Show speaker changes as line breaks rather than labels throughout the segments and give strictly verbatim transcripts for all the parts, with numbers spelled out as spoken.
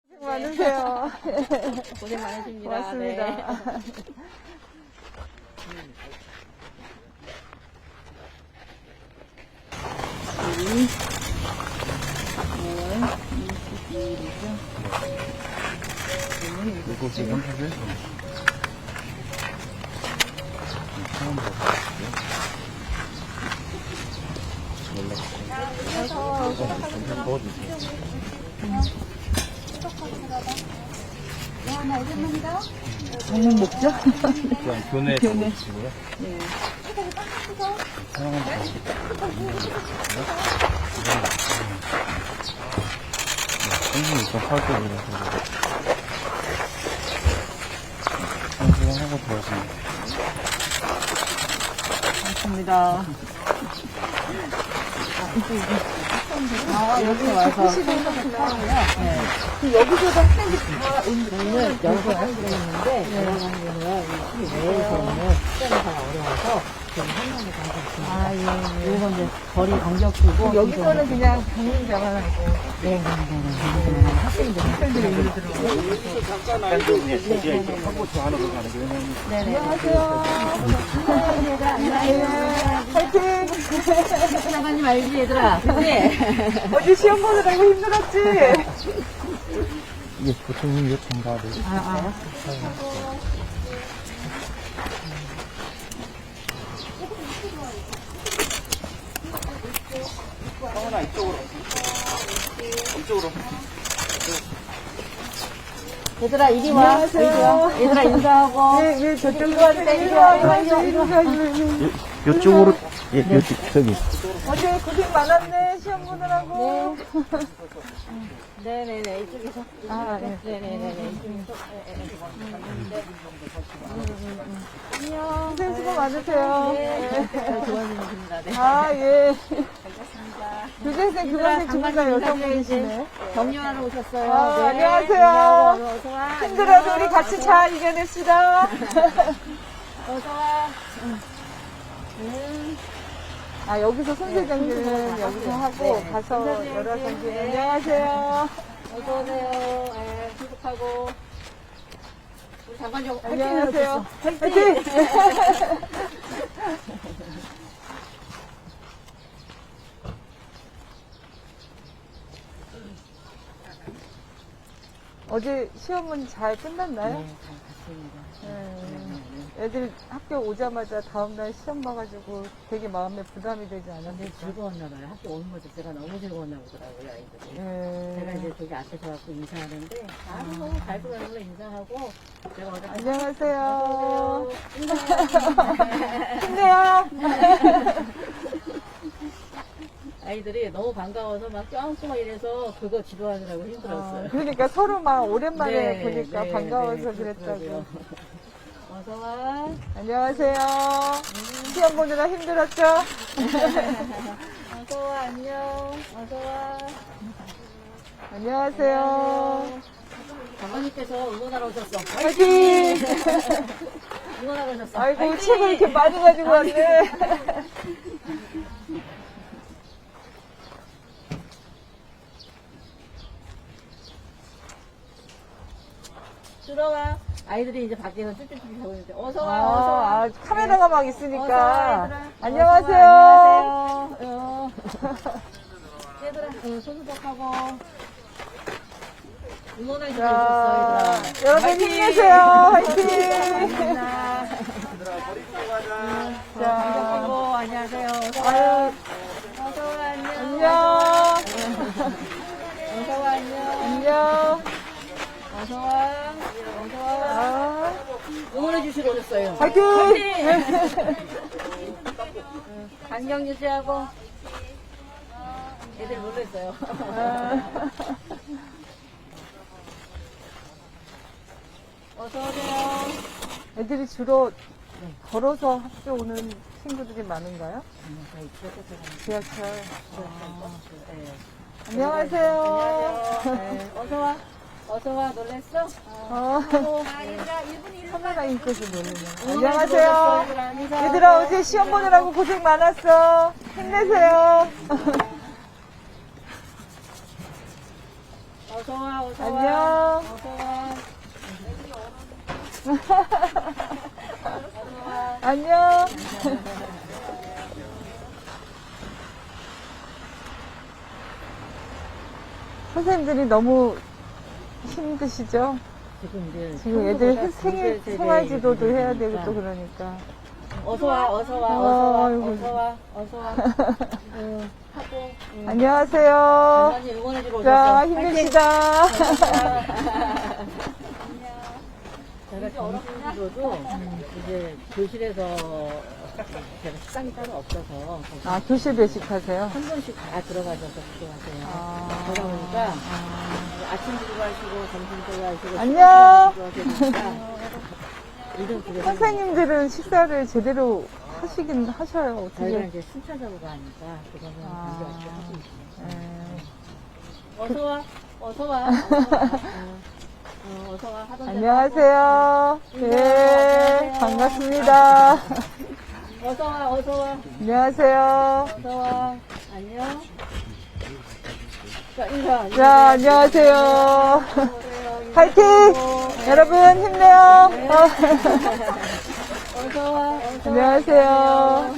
고생 많으세요.
고생 많으십니다.
고맙습니다.
네.
이거 지금 사실 처음 먹어봤어요. 연락 좀 넣어주세요.
저녁 먹죠?
그냥 교내 보시고요.
네.
사랑은 다 선생님 일단 살게 그래서 선생님 하고 들어가시면
감사합니다. 아, 여기 와서. 네. 그 여기서도 학생들이 다
저희는 여러 학생이 있는데, 여러 학생은 이 내에서는 시간이 어려워서 저희 한 명이 다 있습니다.
아, 예.
이건 이제 거리 간격이고.
여기서는 그냥 방문자만 하고.
네, 네, 네, 네. 학생들,
학생들이 여기 들어오고.
잠깐 좀 이제 한국도 하는 거 가는 거예요.
안녕하세요. 안녕하세요. 파이팅!
나가님 알지, 얘들아? 그치?
어제 시험 보느라고 힘들었지?
이게 보통 요청 받을
아, 아.
성은아 이쪽으로 이쪽으로
얘들아, 이리 와.
안녕하세요.
이리 와. 얘들아, 인사하고.
예, 예, 저쪽으로 왔다. 이리 와, 이리 와, 이리 와, 이리 와, 이리 와.
이쪽으로 예, 이쪽 저기
어제 고생 많았네, 시험 보느라고.
네네네, 이쪽에서.
아, 네.
네네네, 이쪽에서.
안녕. 고생 수고 많으세요.
네. 좋아지십니다. 네.
아, 예.
반갑습니다.
교재생 그만의 주부가 여성분이시네.
격려하러 오셨어요.
아,
네.
안녕하세요.
인사하고 어서 와.
힘들어도 우리 같이 잘 이겨냅시다.
어서 와.
아, 여기서 손세정기는 여기서 하고
네.
가서
손세정기.
여러 경기.
네.
안녕하세요.
어서 오세요. 네, 행복하고. 우리 장관님
안녕하세요.
화이팅!
화이팅! 어제 시험은 잘 끝났나요?
네, 잘 갔습니다.
네. 애들 학교 오자마자 다음날 시험 봐가지고 되게 마음에 부담이 되지
근데
않았어요?
즐거웠나 봐요. 학교 오는 것 자체가 너무 즐거웠나 보더라고요, 아이들이. 제가
네.
이제 저기 앞에서 갖고 인사하는데, 아, 너무 잘 보여서 인사하고, 제가 어제
안녕하세요.
인사해요.
힘내요.
아이들이 너무 반가워서 막 껴안고 막 이래서 그거 지도하느라고 힘들었어요.
아, 그러니까 서로 막 오랜만에
네,
보니까
네,
반가워서
네,
그랬다고.
그렇더라고요. 어서 와.
안녕하세요.
음.
시험 보느라 힘들었죠?
어서 와, 안녕. 어서 와.
안녕하세요.
장관님께서 응원하러 오셨어.
화이팅!
응원하러 오셨어.
아이고,
화이팅!
책을 이렇게 많이 가지고 왔네.
들어와. 아이들이 이제 밖에서 쭈쭈쭈 하고 있는데, 어서 와,
아,
어서 와.
아, 카메라가 막
어서 와,
있으니까.
얘들아.
안녕하세요.
어서 와, 안녕하세요. 어. 얘들아, 어, 손수복하고. 응원해주고
자,
있었어, 얘들아.
여러분
화이팅!
힘내세요. 화이팅!
자,
자,
하고 안녕하세요. 어서 와.
아유,
어서 와, 안녕.
안녕.
어서 와, 안녕.
안녕.
어서 와. 어서 와.
아,
응원해 주시러 오셨어요.
화이팅!
간격 유지하고. 애들 놀랬어요.
아,
어서 오세요.
애들이 주로 걸어서 학교 오는 친구들이 많은가요?
저희 지역에서
지하철.
네.
안녕하세요.
안녕하세요. 네. 어서 와. 어서 와. 놀랬어?
어,
어.
카메라 인것을 모르네.
응원해 주러 오셨어,
안녕하세요.
얘들아. 인사하고.
얘들아, 어제 시험 보느라고 고생 많았어. 힘내세요.
어서와, 어서와.
안녕.
어서와.
안녕. 선생님들이 너무 힘드시죠?
지금 이제
지금 애들
평소보다
생일,
두세
생활지도도
세대
해야 되고
일이니까.
또 그러니까.
어서와, 어서와,
아,
어서와,
아이고.
어서와, 어서와. 응, 하고. 응.
안녕하세요.
할머니 응원해주러
자,
오셨어.
힘내시다.
제가 점심으로도 이제 교실에서 제가 식당이 따로 없어서
아, 교실 배식하세요?
한 번씩 다 들어가셔서 기도하세요.
아.
그러다 보니까 아침 기도하시고 점심 기도하시고
안녕.
기도하시니까 이런 기도
선생님들은 식사를 제대로 하시긴 하셔요.
저희가
어떻게.
이제 순차적으로 하니까 그거는
아.
관계없이 하고 있어요.
네.
어서 와, 어서 와, 어서 와. 어, 어서 와. 하던 대로
안녕하세요. 네,
안녕하세요.
반갑습니다.
하고. 어서 와, 어서 와,
안녕하세요.
어서 와. 안녕. 자, 인사. 인사.
자, 안녕하세요.
안녕하세요.
파이팅!
인사하고.
여러분, 힘내요.
네.
어.
어서 와, 어서 와.
안녕하세요.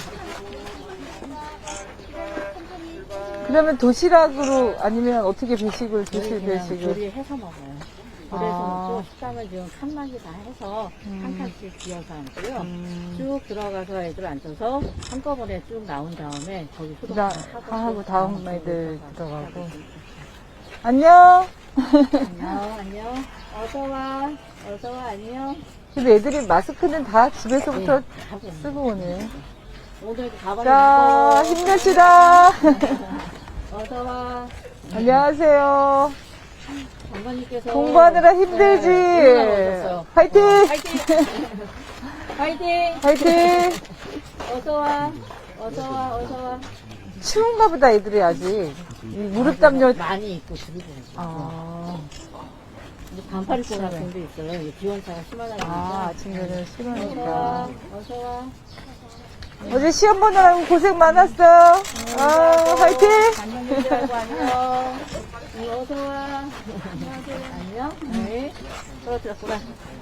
그러면 도시락으로 아니면 어떻게 배식을
저희
교실
그냥
배식을?
조리해서 먹어요. 그래서
아.
먹고 식당을 지금 칸막이 다 해서 한 칸씩 비어서 앉고요.
음.
쭉 들어가서 애들 앉아서 한꺼번에 쭉 나온 다음에 거기 소독
다
하고,
하고
또
다음
다음
애들
들어가고.
들어가고. 안녕.
안녕, 안녕. 어서 와, 어서 와, 안녕.
근데 애들이 마스크는 다 집에서부터
네, 하고 있는
쓰고 오네.
오늘도 가방에
자,
묶어.
힘내시다.
어서 와.
안녕하세요.
장관님께서
공부하느라 힘들지?
네, 오셨어요.
파이팅!
어, 파이팅! 파이팅!
파이팅!
어서 와, 어서 와, 어서 와.
추운가 보다, 애들이 아직. 이 무릎 담요.
많이 입고 그러고 있어요.
아,
이제 반팔 입고 같은 데 있어요. 이게 기온차가 심하다 보니까.
아, 아침에는
어서 와,
싫으니까.
어서 와.
어제 시험 보느라고 고생 많았어. 아, 파이팅!
안녕하세요. 안녕. 네, 어서 와. 안녕. 네. 떨어뜨렸구나.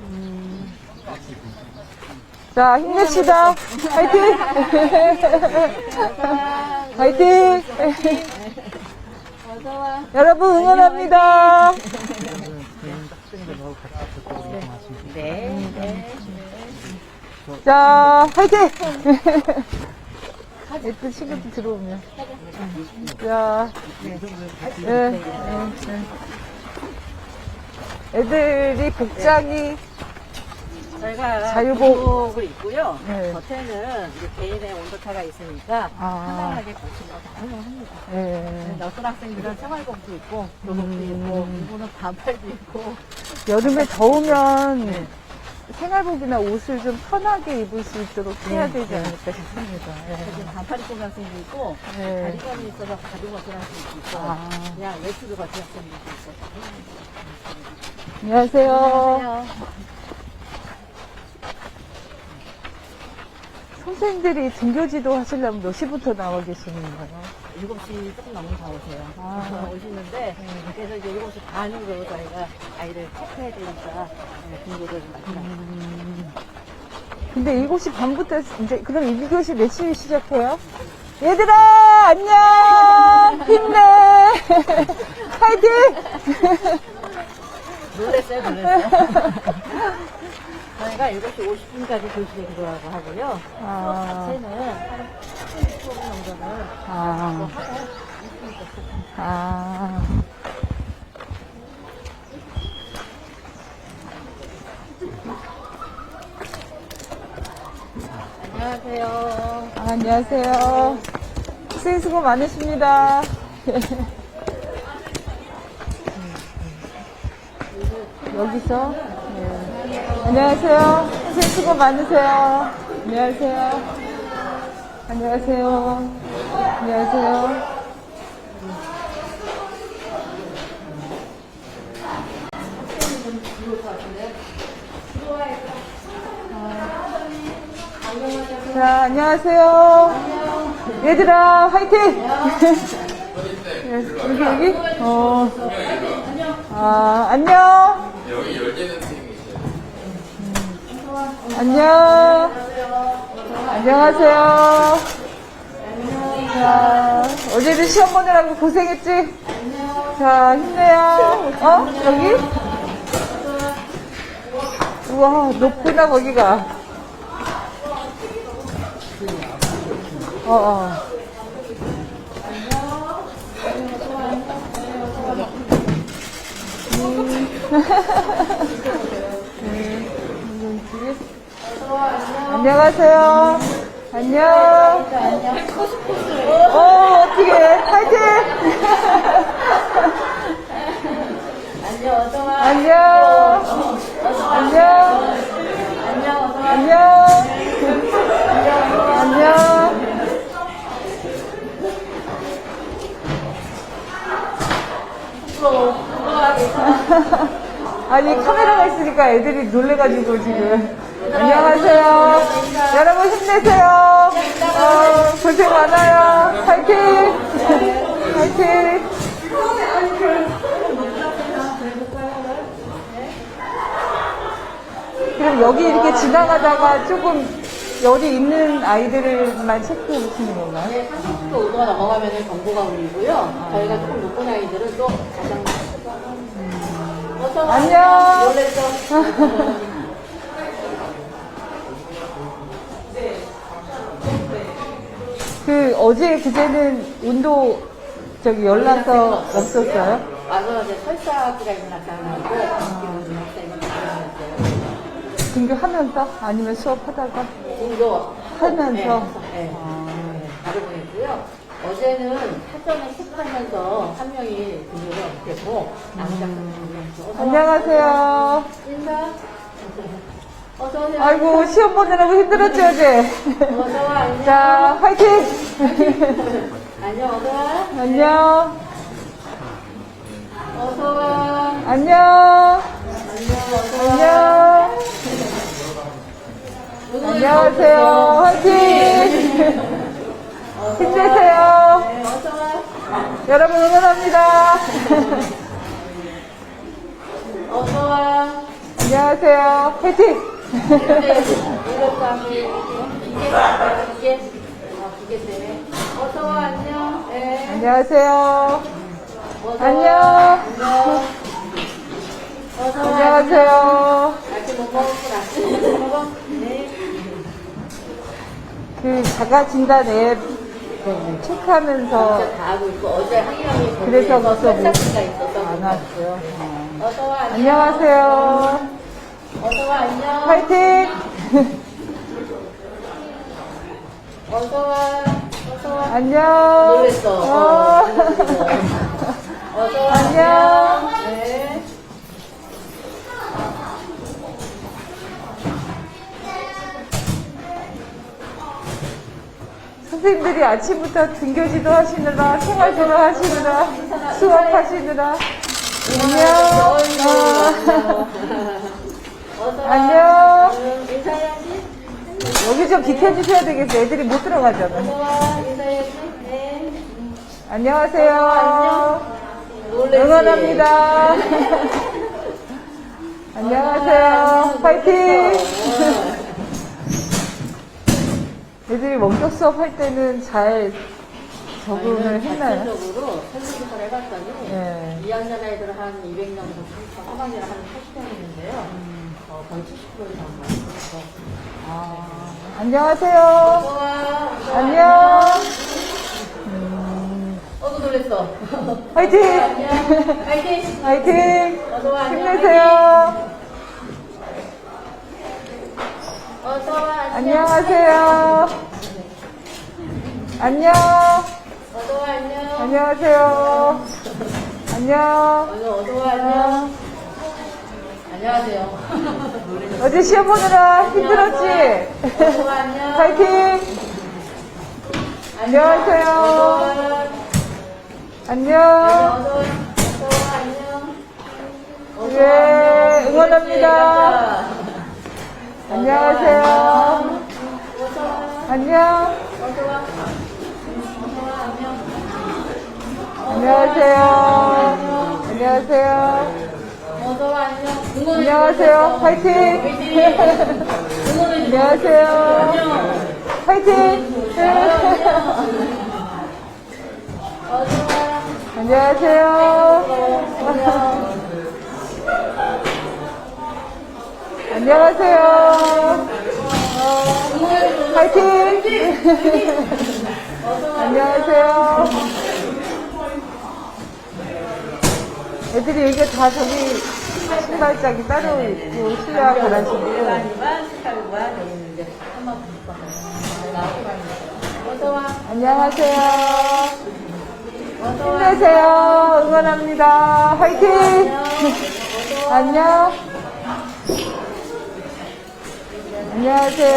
자, 힘냅시다. 파이팅!
어서 와.
파이팅!
어서 와.
여러분 응원합니다.
네. 네.
자, 파이팅! 애들 친구들 들어오면. 자, 네, 네, 네. 애들이 복장이
저희가
자유복.
자유복을 입고요.
네.
겉에는 이제 개인의 온도차가 있으니까
아.
편안하게 거치는 거 다 사용합니다.
예.
어떤 학생들은 생활복도 입고 교복도 입고 일부는 반팔도 입고
여름에 더우면 생활복이나 옷을 좀 편하게 입을 수 있도록 해야 되지 않을까 싶습니다.
지금 반팔 입고 간 학생도 있고
네.
다리감이 있어서 가죽 벗은 학생도 있고
아.
그냥 외투를 벗은 학생도 있고
안녕하세요.
안녕하세요.
선생님들이 등교지도 하시려면 몇 시부터 나와 계시는 거예요?
일곱 시 조금 넘으면 다 오세요.
아.
오시는데 그래서 이제 일곱 시 반으로 저희가 아이를 체크해야 되니까 등교를 많이
음. 근데 일곱 시 반부터 이제 그럼 일 교시 몇 시에 시작해요? 얘들아 안녕 힘내 파이팅
놀랬어요, 놀랬어요. 저희가 일곱 시 오십 분까지 교실에 들어가고 하고요.
아.
수업 자체는 한 삼십 분 정도는
아,
하고 이십 분부터 시작합니다.
아.
안녕하세요.
아, 안녕하세요. 선생님 수고 많으십니다. 여기서 네. 안녕하세요. 선생님 수고 많으세요. 안녕하세요. 안녕하세요. 안녕하세요. 자, 안녕하세요. 얘들아, 화이팅! 예, 여기, 여기? 어. 아, 안녕.
여기 열리는 팀이세요.
안녕. 안녕하세요. 자, 어제도 시험 보느라고 고생했지? 자, 힘내요. 어? 여기? 우와, 높구나, 거기가. 어, 어. 안녕하세요. 안녕. 어, 어떻게 파이팅!
안녕, 어서와.
안녕. 안녕. 안녕. 안녕. 아니, 카메라가 있으니까 애들이 놀래가지고 지금. 안녕하세요. 여러분 힘내세요. 어, 고생 많아요. 파이팅! 파이팅! 그럼 여기 이렇게 지나가다가 조금 열이 있는 아이들만 체크해 보시는 건가요?
네, 삼십 도 오도가 넘어가면 경보가 울리고요. 저희가 조금 높은 아이들은 또 가장 어서 와.
안녕.
놀랬죠?
그 어제 그제는 운도 저기 연락서 없었어요?
와서 이제 설사기가 있는 학생하고 기분 학생이 들어갔어요.
등교하면서 아니면 수업하다가
등도
하면서
네, 네. 네, 바로 보냈고요. 어제는 사전에 체크하면서 한 명이 등교를 못했고 나머지 학생들이
안녕하세요.
인사. 어서 오세요.
아이고 시험 보느라고 힘들었지 어제.
어서 와. 안녕.
자 화이팅.
안녕. 어서 와.
안녕.
어서 와.
안녕.
안녕. 어서 와.
안녕. 안녕하세요. 화이팅. 힘내세요.
네, 어서 와.
여러분 응원합니다.
어서 와.
안녕하세요. 화이팅.
네, 이렇게 하면 기계, 기계, 어, 기계 때문에. 어서 와. 안녕. 네.
안녕하세요.
어서
안녕.
와. 안녕. 어서 와.
안녕하세요.
아직 못 먹었구나. 아직 못 먹어? 네.
그 자가 진단 앱 체크하면서
진짜 다 하고 있고 어제 한 명이
그래서
거기에서
벌써 못-
설사기가 있어서
안 왔어요.
어서 와. 안녕.
안녕하세요.
어서 와. 안녕.
화이팅.
어서 와. 어서 와.
안녕.
놀랬어.
어.
어서 와.
안녕.
네.
선생님들이 아침부터 등교지도 하시느라 생활지도 하시느라 수업하시느라 안녕. 어.
어서 와.
안녕.
응, 인사해야지.
여기 좀 비켜주셔야 되겠어. 애들이 못 들어가잖아.
어서 와. 인사해야지. 네.
안녕하세요.
놀랬지?
응원합니다. 안녕하세요. 파이팅. 애들이 원격 수업 할 때는 잘 적응을 했나요?
전체적으로 설문조사를 해봤더니
네.
이 학년 아이들은 한 이백 명 정도, 한 학년에 한 팔십 명 있는데요. 어, 거의 칠십 퍼센트 이상 많아서.
아, 안녕하세요.
어서 와.
안녕.
어서 놀랬어.
화이팅.
안녕. 파이팅.
화이팅.
어서 와. 안녕.
힘내세요.
어서 와. 안녕.
안녕하세요. 안녕.
어서 와. 안녕.
안녕하세요. 안녕.
어서 어서 와. 안녕. 안녕하세요. 놀랬어.
어제 시험 보느라 힘들었지?
어서 와. 안녕.
파이팅. 안녕하세요.
어서 와.
안녕.
어서 와. 어서 와. 안녕. 어서 와.
예,
안녕.
응원합니다. 안녕하세요.
어서 와.
안녕.
어서 와. 어서 와. 안녕.
안녕하세요. 안녕하세요.
어서와, 안녕. 응원해
안녕하세요.
주셔서
화이팅!
응원해
안녕하세요.
안녕.
화이팅!
어서와.
안녕하세요. 안녕하세요. 화이팅! 안녕하세요. 애들이 여기 다 저기 신발장이 따로 있고 실내화 가라시고
일반이만 스타일과 여기는 이제 한번 어서와.
안녕하세요.
어서와.
힘내세요. 응원합니다. 화이팅! 안녕. 안녕하세요.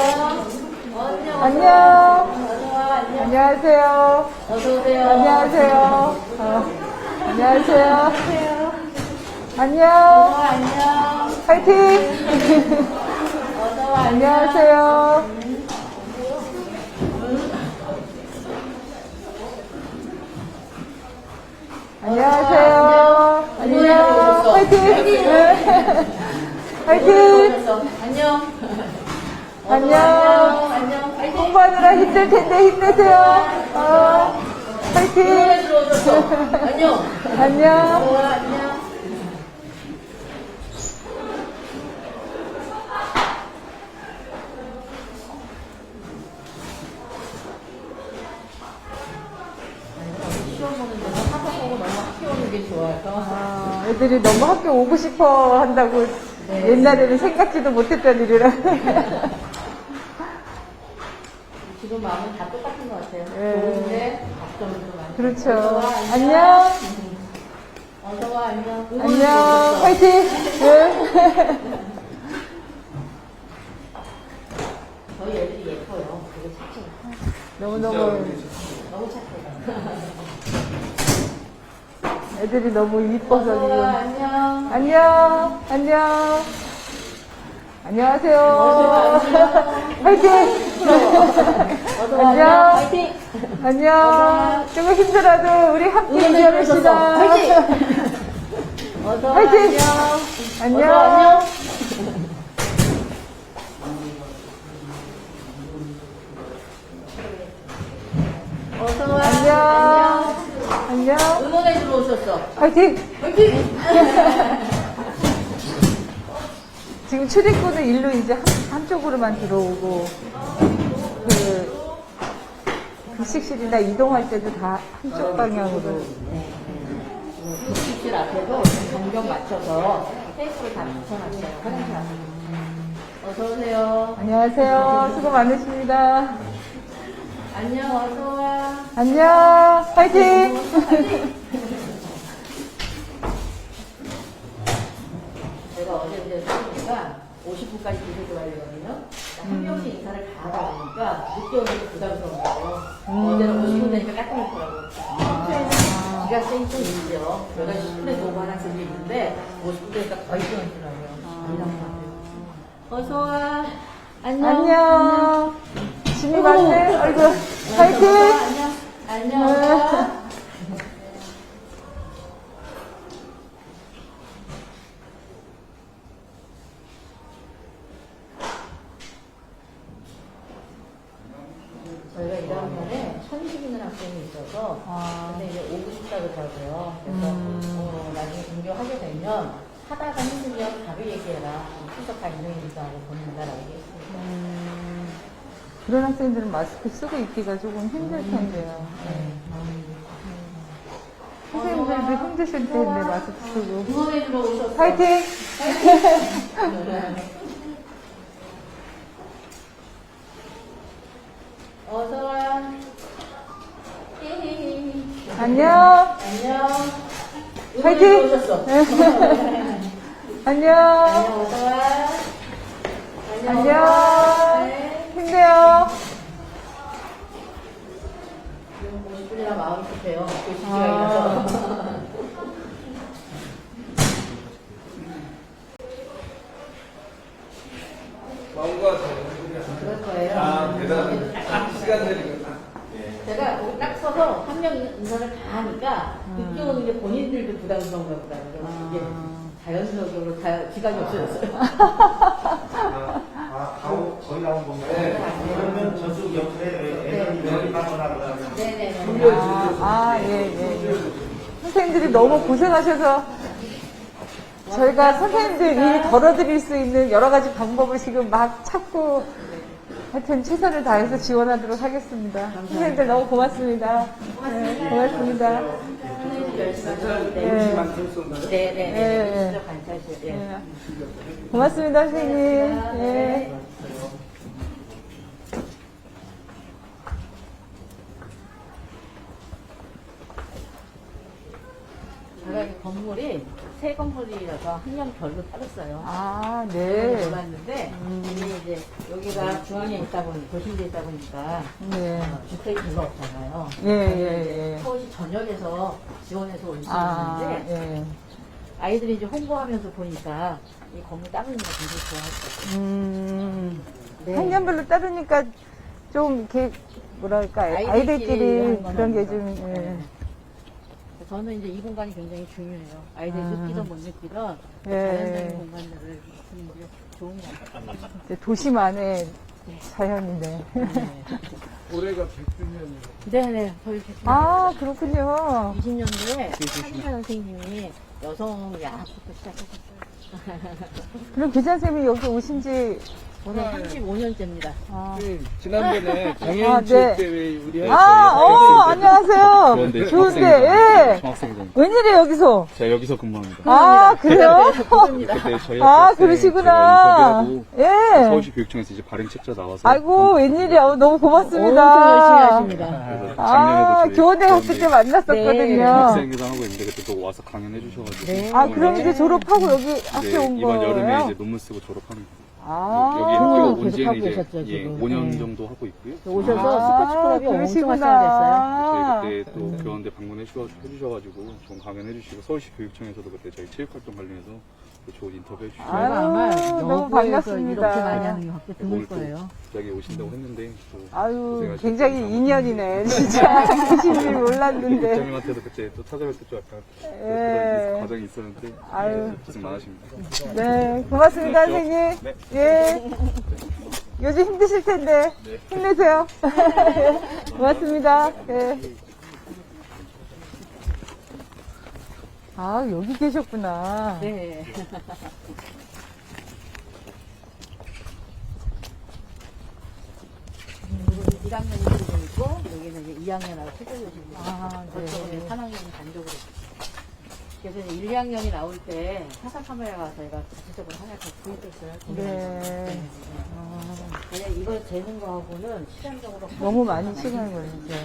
안녕.
어서와. 안녕.
안녕하세요.
어서오세요.
안녕하세요. 어, 안녕하세요. 안녕.
어서와, 안녕.
화이팅!
어서와,
안녕하세요. 안녕하세요. 안녕. 화이팅! 화이팅!
안녕.
안녕.
안녕. 화이팅.
공부하느라 힘들 텐데 힘내세요. 어, 화이팅!
응원해 들어오셨어. 안녕.
안녕.
어서와, 안녕. 시험 보는 데는 학원 보고 너무 학교 오는 게 좋아서.
아, 애들이 너무 학교 오고 싶어 한다고
네.
옛날에는 생각지도 못했던 일이라.
지금 마음은 다 똑같은 것 같아요.
네.
좋은데 걱정도 많고.
그렇죠.
어서와,
안녕.
어서와, 안녕.
안녕. 화이팅! 네.
저희 애들이 예뻐요. 되게 착해요.
너무너무
너무 착해요.
애들이 너무 이뻐서
어서와,
지금.
안녕.
안녕. 안녕. 안녕하세요.
어서와, 안녕.
화이팅!
어서와,
안녕.
안녕. 화이팅!
안녕. 조금 힘들어도 우리 함께
응원해 주셔서
이겨냅시다.
화이팅! 어서와,
화이팅!
안녕.
안녕.
어서와, 안녕. 어서와,
안녕. 안녕.
응원해 주러 오셨어.
화이팅!
화이팅!
지금 출입구는 일로 이제 한, 한쪽으로만 들어오고, 그, 급식실이나 이동할 때도 다 한쪽 방향으로.
급식실 앞에도 정경 맞춰서 테이프를 다 붙여놨어요. 화장실 앞에. 어서오세요.
안녕하세요. 수고 많으십니다.
안녕, 어서와.
안녕. 화이팅!
제가 어제 이제 수업이니까 오십 분까지 기술 들어가려거든요. 한 명씩 인사를 다 하다 보니까 늦게 오는 게 부담스러운 거예요. 어제는 오십 분 되니까 깜짝 놀더라고요. 평소에는 지각생이 좀 있죠. 여덟 시 십 분에 오고 하는 학생도 있는데 오십 분 되니까 거의 끊어지더라고요. 어서와. 안녕.
안녕. 짐이 많네. 아이고. 화이팅!
안녕. 안녕. 어서와. 저희가 일 학년에 천식 있는 학생이 있어서
아.
근데 이제 오고 싶다 그러더라고요. 그래서
음.
어, 나중에 등교하게 되면 하다가 힘들면 바로 얘기해라. 수석가 인정해주자 하고 보낸다라고 얘기했습니다.
음, 그런 학생들은 마스크 쓰고 있기가 조금 힘들 텐데요. 선생님들도 힘드실 텐데 마스크 쓰고.
응원해주러 오셨어.
화이팅!
어서와.
안녕.
안녕.
화이팅!
응원해주러 오셨어.
안녕.
안녕, 어서와.
안녕.
어서와. 네.
힘내요.
지금 오십 분이나 마음이 급해요. 교시기가
아.
있어서.
마음과
그럴 거예요.
아, 대단합니다. 딱 시간 되니까.
제가 거기 딱 서서 한 명 인사를 다 하니까 늦게 오는 게 본인들도 부담스러운가 보다. 그래서 이게 자연스럽게 다 기간이 없어졌어요.
아, 아, 가오 거의 나온 건가요?
네.
그러면 저쪽 옆에 애들이 여기 빠져나 그러면
네네네.
아, 아, 예, 예, 예. 선생님들이 너무 고생하셔서 저희가 선생님들 일 덜어드릴 수 있는 여러 가지 방법을 지금 막 찾고 하여튼 최선을 다해서 지원하도록 하겠습니다. 선생님들 너무 고맙습니다. 네, 고맙습니다.
선생님 열심히 하셨는데.
네.
만성성가요?
네네네.
예, 예.
진짜 관찰실. 예.
네. 고맙습니다, 선생님. 예.
네. 제가 이 건물이 새 건물이라서 학년별로 따랐어요.
아,
네.
네.
몰랐는데 근데 이제 여기가 중앙에 있다 보니 도심지에 있다 보니까
네.
어, 주택이 별로 없잖아요.
예, 예, 예.
서울시 전역에서 지원해서 올 수
아,
있는데
예.
아이들이 이제 홍보하면서 보니까 이 건물 따르는 거 굉장히 좋아했어요.
음,
네.
학년별로 따르니까 좀 이렇게 뭐랄까
아이들끼리
아이들끼리
하는 거는
그런 게 좀 예.
네. 저는 이제 이 공간이 굉장히 중요해요. 아이들이
아.
느끼던 못 느끼던
예.
자연적인 공간들을 주는 게 좋은 것 같아요.
이제 도시만의 자연이네.
올해가 백 주년이에요.
네네. 저희
아 그렇군요.
이십 년도에 한의사 선생님이 여성 야학부터 시작하셨어요.
그럼 교장 쌤이 여기 오신지
저는 삼십오 년째입니다.
아,
네, 지난번에
아,
장애인체육대회 우리
아, 어, 안녕하세요.
좋은데,
좋은데,
중학생이잖아요.
예.
중학생이잖아요.
웬일이에요 여기서?
제가 여기서 근무합니다.
아 그래요?
그겁니다.
그때 저희
아
학생
그러시구나.
제가 인터뷰하고
예.
서울시 교육청에서 이제 발행 책자 나와서
아이고 웬일이야. 어, 너무 고맙습니다.
엄청 열심히 하십니다.
그래서
아,
작년에도 저희
교원대 갔을 때
네.
만났었거든요.
학생회장 하고 있는데 그때 또 와서 강연해 주셔가지고
네.
아, 그럼 이제 졸업하고 여기 학교
이제
온
이번 여름에
거예요?
이제 논문 쓰고 졸업하는 거예요.
아,
여기
학교
학교
계속
온 지는
하고
이제
계셨죠,
예,
지금.
오 년
네.
정도 하고 있고요.
오셔서
아,
스포츠 클럽이 엄청
그러시구나.
활성화됐어요.
저희 그때 또 교원대 방문해 주셔- 해주셔가지고 좋은 강연해 주시고 서울시 교육청에서도 그때 저희 체육활동 관련해서 또 좋은 인터뷰 해주시고
아유,
제가 아마
너무
여고에서
반갑습니다.
이렇게 많이 하는 게 확대 드물
오늘 또
거예요.
갑자기 오신다고 했는데 또
아유,
고생하셨고
굉장히
감사합니다.
인연이네. 진짜. 계신 줄 몰랐는데.
국장님한테도 그때 또 찾아뵐 때 좀 약간
예.
그런 과정이 있었는데
아유.
네, 고생 많으십니다.
네, 고맙습니다, 선생님.
네.
예. 요즘 힘드실 텐데. 힘내세요. 고맙습니다. 예. 아, 여기 계셨구나.
네. 일 학년이 들고 있고 여기는 이제 이 학년하고 책임져주십니다.
아, 네.
저쪽은 삼 학년이 단독으로. 그래서 이제 일, 이 학년이 나올 때 사사 카메라가 저희가 자체적으로 하나씩 구입했어요.
네.
그냥 이거 재는 거하고는 시간적으로
너무 많이 시간이 걸리죠.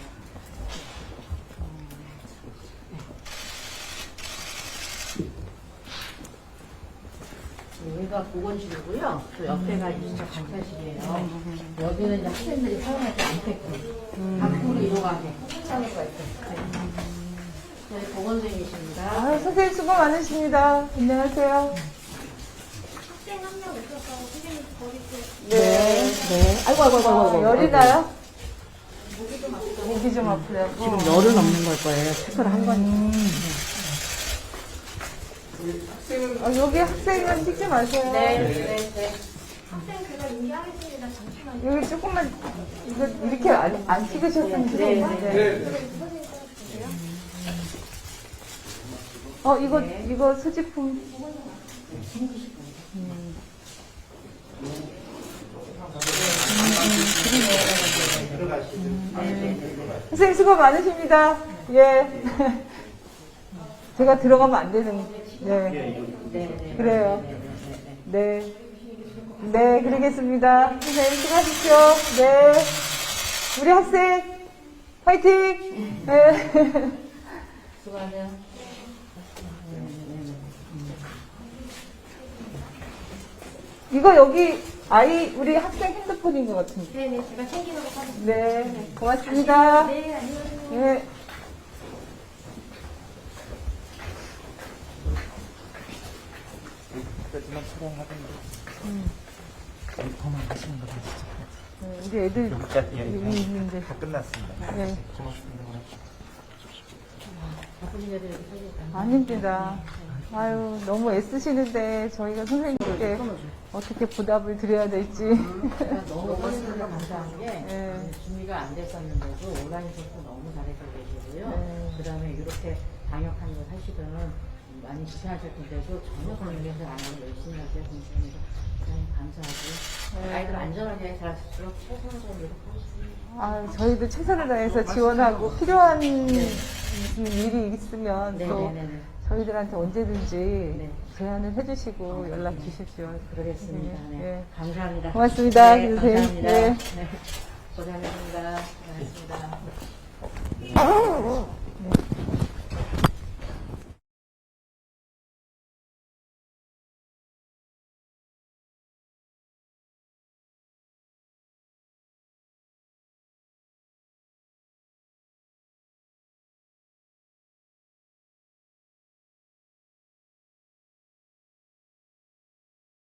여기가 보건실이고요. 또 옆에가 이제 관찰실이에요. 여기는 이제 학생들이 사용할 때 안테크 밖으로 이동하게 사용할 수 있어요. 저희 보건생이십니다.
아, 선생님 수고 많으십니다. 안녕하세요.
학생 한 명 있어서 선생님 버리고
네.
네. 아이고, 아이고, 아이고, 아이고.
아, 열이 나요? 목이 좀 아프려고.
지금 열은 없는 걸 거예요. 체크를 한 거니까.
아, 여기 학생은 찍지 마세요.
네, 네, 네.
학생 제가 인계하겠습니다. 잠시만요.
여기 조금만, 이거 이렇게 안, 안 찍으셨으면
네,
좋겠는데.
네.
선생님 써주세요.
어, 이거, 이거 수집품. 선생님 수고 많으십니다. 예. 제가 들어가면 안 되는, 네.
네,
그래요. 네. 네, 그러겠습니다. 선생님 수고하십시오. 네. 우리 학생, 화이팅! 네.
수고하세요.
이거 여기 아이, 우리 학생 핸드폰인 것 같은데.
네네, 제가 챙기도록 하겠습니다.
네, 고맙습니다.
네, 안녕하세요.
네.
그때만 촬영하던데
네, 우리 애들
예,
여기 있는데.
다 끝났습니다.
네.
고맙습니다.
바쁜 일들이 사실
아닙니다. 아유, 너무 애쓰시는데 저희가 선생님께 어떻게 보답을 드려야 될지.
제가 너무 선생님들 감사한 게
네.
준비가 안 됐었는데도 온라인 수업도 너무 잘해서 계시고요.
네.
그 다음에 이렇게 방역한 거 사실은 많이 불편하실 텐데도 전혀 그런 게 안 하고 열심히 하세요. 선생님들 대단히 감사하고
네.
아이들 안전하게 잘 수 있도록 최선을 다해 노력하겠습니다.
아, 저희도 최선을 다해서 지원하고 필요한 무슨 일이 있으면 또
네네네.
저희들한테 언제든지
네.
제안을 해주시고 연락 주십시오.
그러겠습니다. 네.
네.
감사합니다.
고맙습니다,
네,
선생님.
감사합니다.
네.
네. 고생하셨습니다.